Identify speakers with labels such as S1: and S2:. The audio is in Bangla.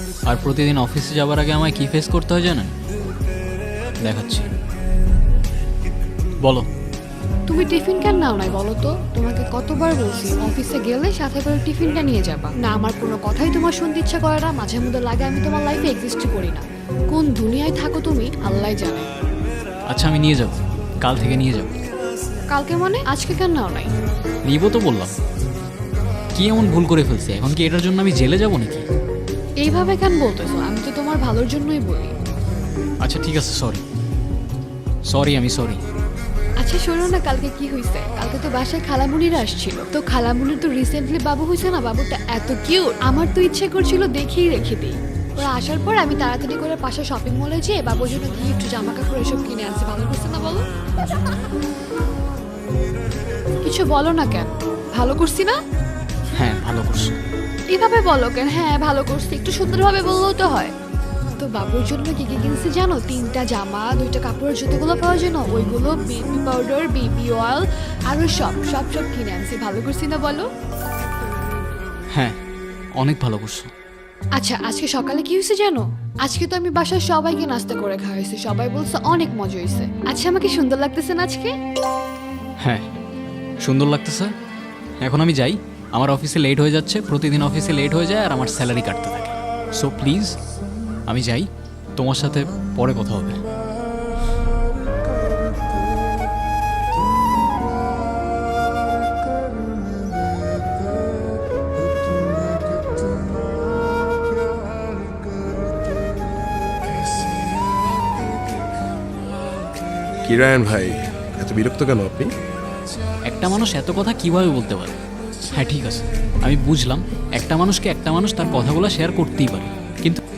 S1: আর প্রতিদিন অফিসে যাবার আগে আমায় কি ফেস করতে হয় জানেন? দেখাচ্ছি। বলো।
S2: তুমি টিফিন কেন নাও নাই বলো তো? তোমাকে কতবার বলছি অফিসে গেলে সাথে করে টিফিনটা নিয়ে যাবা। না আমার কোনো কথাই তোমার শুনতে ইচ্ছা করে না, মাঝে মধ্যে লাগে আমি তোমার লাইফে এক্সিস্ট করি না। কোন দুনিয়ায় থাকো তুমি আল্লাহ জানে।
S1: আচ্ছা আমি নিয়ে যাব, কাল থেকে নিয়ে যাব।
S2: কালকে মানে আজকে কেন নাও নাই?
S1: নিব তো বললাম। কি এমন ভুল করে ফেলছি? এখন কি এটার জন্য আমি জেলে যাব নাকি?
S2: এইভাবে কেন বলতেছো? আমি তো তোমার ভালোর জন্যই বলি।
S1: আচ্ছা ঠিক আছে, সরি সরি, আমি সরি।
S2: আচ্ছা শোনো না, কালকে কি হয়েছে? কালকে তো বাসায় খালামুনিরা আসছিল, তো খালামুনির তো রিসেন্টলি বাবু হয়েছে না, বাবুটা এত কিউট, আমার তো ইচ্ছে করছিল দেখেই রেখে দিই। ওরা আসার পর আমি তাড়াতাড়ি করে পাশে শপিং মলে যেয়ে বাবুর জন্য গিফট জামা কাপড় এসব কিনে আনছি। ভালো করছে না বলো? কিছু বলো না কেন? ভালো করছি না?
S1: হ্যাঁ ভালো করছো।
S2: এভাবে বলো কেন? হ্যাঁ ভালো করছি, একটু সুন্দরভাবে বললেও তো হয়। তো বাবুর জন্য কি কি কিনছি জানো? 3টা জামা, 2টা কাপড়ের জুতোগুলো পাওয়ার জন্য ওইগুলো, বেবি পাউডার, বেবি অয়েল, আরো সব সব সব কিনে আনছি। ভালো করছি না বলো?
S1: হ্যাঁ অনেক ভালো করছো।
S2: আচ্ছা আজকে সকালে কি হয়েছে জানো? আজকে তো আমি বাসায় সবাইকে নাস্তা করে খাওয়াইছি, সবাই বলছে অনেক মজা হয়েছে। আচ্ছা আমাকে সুন্দর লাগতেছে না আজকে?
S1: হ্যাঁ সুন্দর লাগতেছে। এখন আমি যাই, আমার অফিসে লেট হয়ে যাচ্ছে, প্রতিদিন অফিসে লেট হয়ে যায় আর আমার স্যালারি কাটতে থাকে। সো প্লিজ আমি যাই, তোমার সাথে পরে কথা হবে।
S3: কিরায়ন ভাই, এত বিরক্ত কেন আপনি?
S1: একটা মানুষ এত কথা কিভাবে বলতে পারে? হ্যাঁ ঠিক আছে, আমি বুঝলাম একটা মানুষকে একটা মানুষ তার কথাগুলো শেয়ার করতেই পারে, কিন্তু